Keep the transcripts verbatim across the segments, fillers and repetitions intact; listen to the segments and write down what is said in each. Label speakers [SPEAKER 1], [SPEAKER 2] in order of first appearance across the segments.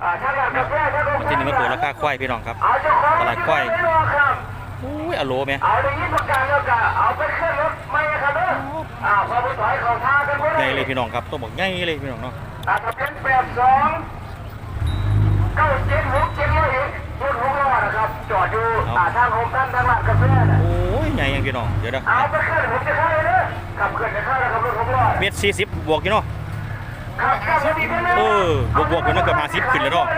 [SPEAKER 1] ที่นี่มาเปิดราคาควายพี่น้องครับตลาดควายอุ้ยอโลไหม
[SPEAKER 2] เอาอย่างนี้ประกาศแล้วก็เอาไปขึ้นรถไม่ครับเด้ออ่าพอไปถอยเขาท่ากัน
[SPEAKER 1] ใหญ่เลยพี่น้องครับต้องบอกใหญ่เลยพี่น้องเนาะ
[SPEAKER 2] อ่าทะเบียนแปดสองเก้าเจ็ดหกเจ็ดร้อยเอ็ดรถหกล้อนะครับจอดอยู่อ่าทางโฮมท่านทางร้านกาแฟน่ะ
[SPEAKER 1] โอ้ยใหญ่ยังพี่น้องเดี๋ยวนะ
[SPEAKER 2] เอาไปขึ้นผมจะเข้าเลยเด้อขับขึ้นจะเข้าแล้วครับรถหกล้อ
[SPEAKER 1] เมตรสี่สิบบวกอยู่เนาะเออบวกบวกอยู่นะเกือบห้าสิบขึ้นแล้วเนาะ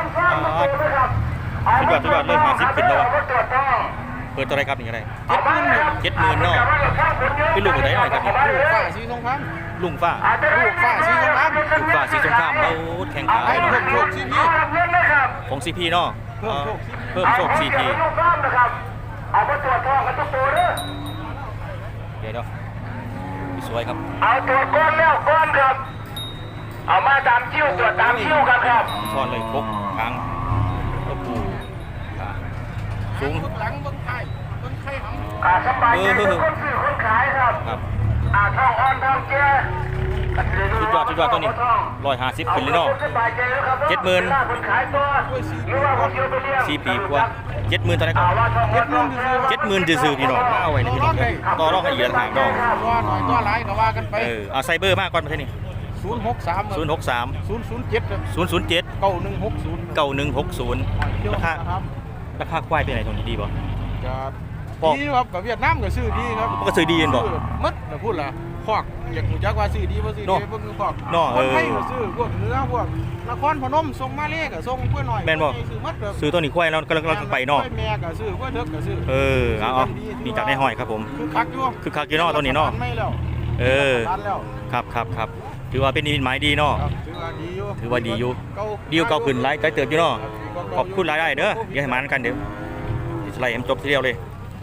[SPEAKER 1] สุดยอดสุดยอดเลยห้าสิบขึ้นแล้วเปิดตัวอะไรครับนี่อะไรเจ็ดหมื่นเจ็ดหมื่นเนาะเป็นลูกอะไรหน่อยครับนี่
[SPEAKER 3] ลูกฝ้าสีสงคราม
[SPEAKER 1] ลุงฝ้า
[SPEAKER 3] ลูกฝ้าสีสงคราม
[SPEAKER 1] ลูกฝ้าสีสงครามเราแข่งขาเนาะ
[SPEAKER 3] โชคซีพี
[SPEAKER 1] ของซีพีเนาะเพิ่มโชคซีพี
[SPEAKER 2] เอาไปตรวจทองกันทุกตัวเด้อ
[SPEAKER 1] เดี๋ยวเนาะสวยครับ
[SPEAKER 2] เอาตัวก้อนแล้วก้อนครับเอามาตามคิ้วตรวจตามคิ้วกันครับ
[SPEAKER 1] ช้อนเลยพกครั้งก็ปูสูง
[SPEAKER 3] หลังต้นไข่ต้นไข่หำ
[SPEAKER 2] อ่าสบายใจทุกคนซื้อคนขายครับ
[SPEAKER 1] ครับ
[SPEAKER 2] อ่าทองอ่อนทองแก่
[SPEAKER 1] สุดยอดสุดยอดตัวนี้ร้อยห้าสิบขึ้นเลยเนาะเจ็ดหมื่นสี่ปีกว่าเจ็ดหมื่นตอนนี้ก็เจ็ดหมื่นจืดๆพี่น้องเอาไว้ในพี่น้องต่อรองกันอีกแล้วถามน้อง
[SPEAKER 3] ตัวหน่อยตัวหลายก็ว่ากันไป
[SPEAKER 1] เออเอาไซเบอร์มากก่อนประเทศนี้
[SPEAKER 3] ศูนย์หกสาม
[SPEAKER 1] ศูนย์หกสาม
[SPEAKER 3] ศูนย์ศูนย์เจ็ด
[SPEAKER 1] ศูนย์ศูนย์เจ็ด
[SPEAKER 3] เก้าหนึ่งหกศูนย์
[SPEAKER 1] เก้าหนึ่งหกศูนย์ราคาราคาควายเป็นไหนตรงนี้ดีป่ะ
[SPEAKER 3] ดีครับกับเวียดนามก็ซื้อดีครับ
[SPEAKER 1] ก็ซื้อดีเห็นบ่
[SPEAKER 3] มัดนะพูดละพอกอยากรู้จักว่าซื้อดีว่าซื้อดีพวกคือพอกคนไทยก็ซื้อพวกเนื้อพวกนครพนมส่งมาเลก็ส่งเพื่อหน่อย
[SPEAKER 1] แม่นบ่ซื้อมัดซื้อตัวนี้ควายเรากำลังกำลังไปเนาะ
[SPEAKER 3] แม่ก็ซื้อเพื่อเถิกก็ซื้อ
[SPEAKER 1] เออเอามีจากในห้อยครับผม
[SPEAKER 3] คือคักอยู่
[SPEAKER 1] คือคักอยู่เนาะตัวนี้เนาะเออครับครับครับถือว่าเป็นนิมิตหมายดีเนาะ
[SPEAKER 3] ถือว่าดีอยู่
[SPEAKER 1] ถือว่าดีอยู่ดีอยู่เก่าขึ้นไล่ใจเติบอยู่เนาะขอบคุณรายได้เด้ออย่าให้มันกันเดี๋ยวไล่ให้จบทีเดียวเลย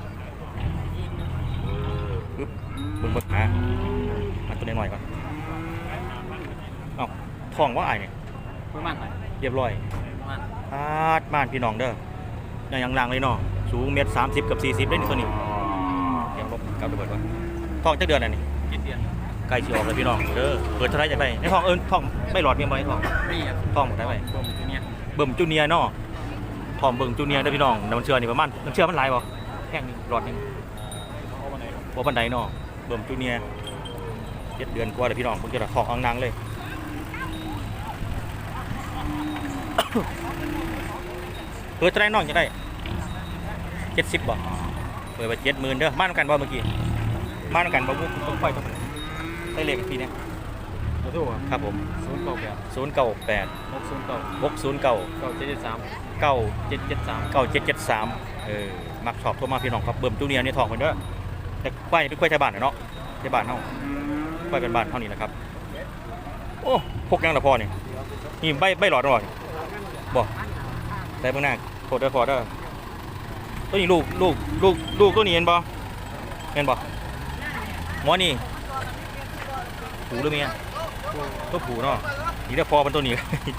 [SPEAKER 1] ปึ๊บบึ้งบึ้งหามันตัวนี้หน่อยก่อนเอ้าทองว่าไอ้เนี่ยเรียบร้อยอาดม่านพี่น้องเด้อยังยังล่างเลยเนาะสูงเมตรสามสิบกับสี่สิบได้นี่ตัวนี้ยังลบกับระเบิดก่อนทองจักเดือนอะไรนี่ไก่ชีออกเลยพี่น้องเด้อเปิดเท่าไรจะไปในทองเอิญทองไม่หลอดเมียบอยทองทองหมดได้ไหมเบิ่มจูเนียเนาะทองเบิ่มจูเนียได้พี่น้องน้ำเชื่อนี่ประมาณน้ำเชื่อมันหลายบ่แค่นี้หลอดนึงบ่บันไดเนาะเบิ่มจูเนียเจ็ดเดือนกว่าเลยพี่น้องผมจะทองอังนางเลยเปิดเท่าไรน้องจะได้เจ็ดสิบบ่เปิดไปเจ็ดหมื่นเด้อมาด้วยกันบ่เมื่อกี้มาด้วยกันบ่บุ้งต้องไฟต้องได้เลขทีนี้ครับผมศูนย์เก้าแปดศูนย์เก้าแปดหกศูนย์เก้าหกศูนย์เก้าเก้าเจ็ดเจ็ดสามเก้าเจ็ดเจ็ดสามเก้าเจ็ดเจ็ดสามเออมักชอบโทรมาพี่น้องครับเบิ่มจูเนียนี่ทองคนเด้อแต่ควายเป็นควายชาวบ้านเนาะชาวบ้านเนาะควายเป็นบ้านเท่านี้นะครับโอ้พกยังละพอนี่นี่ใบใบหลอดหน่อยบ่แต่เบื้องหน้าโคตรเด้อโคตรเด้อตัวนี้ลูกลูกลูกลูกตัวนี้เห็นบ่เห็นบ่หมอนี่ผูหรือเมียตัวผูเนาะนี่ได้พอเป็นตัวนี้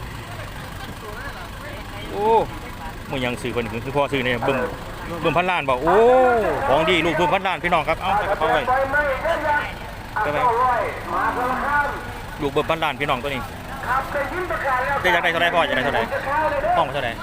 [SPEAKER 1] โอ้มันยังซื้อคนนึงคือพอซื้อเนี่ยเบิ่มเบิ่มพันล้านบอกโอ้ของดีลูกเบิ่มพันล้านพี่น้องครับเอาไปเอาไปไปไปลูกเบิ่มพันล้านพี่น้องตัวนี้จะอยากได้เท่าไรพ่ออยากได้เท่าไรห้องเท่าไร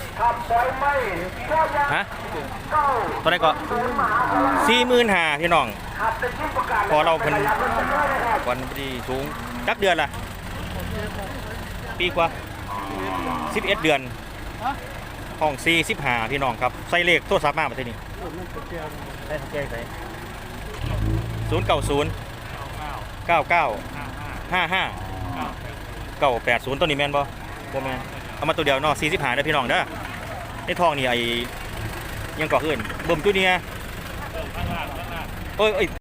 [SPEAKER 1] ฮะเท่าไรก็สี่หมื่นห้าพี่น้องพอเราเป็นวันที่สูงจักเดือนละปีกว่าสิบเอ็ดเดือนห้องสี่สิบห้าพี่น้องครับใส่เลขโทรศัพท์มาประเทศนี้ได้ทักแจ้งใส่ศูนย์เก้าศูนย์เก้าเก้าห้าห้าเก้าแปดศูนย์ตัวนี้แมนบ่โบแมนเอามาตัวเดียวเนาะสี่สิบห้าได้พี่น้องเด้อในทองนี่ไอ้ยังก่อขึ้นบ่มตัวเนี้ยเอ้ย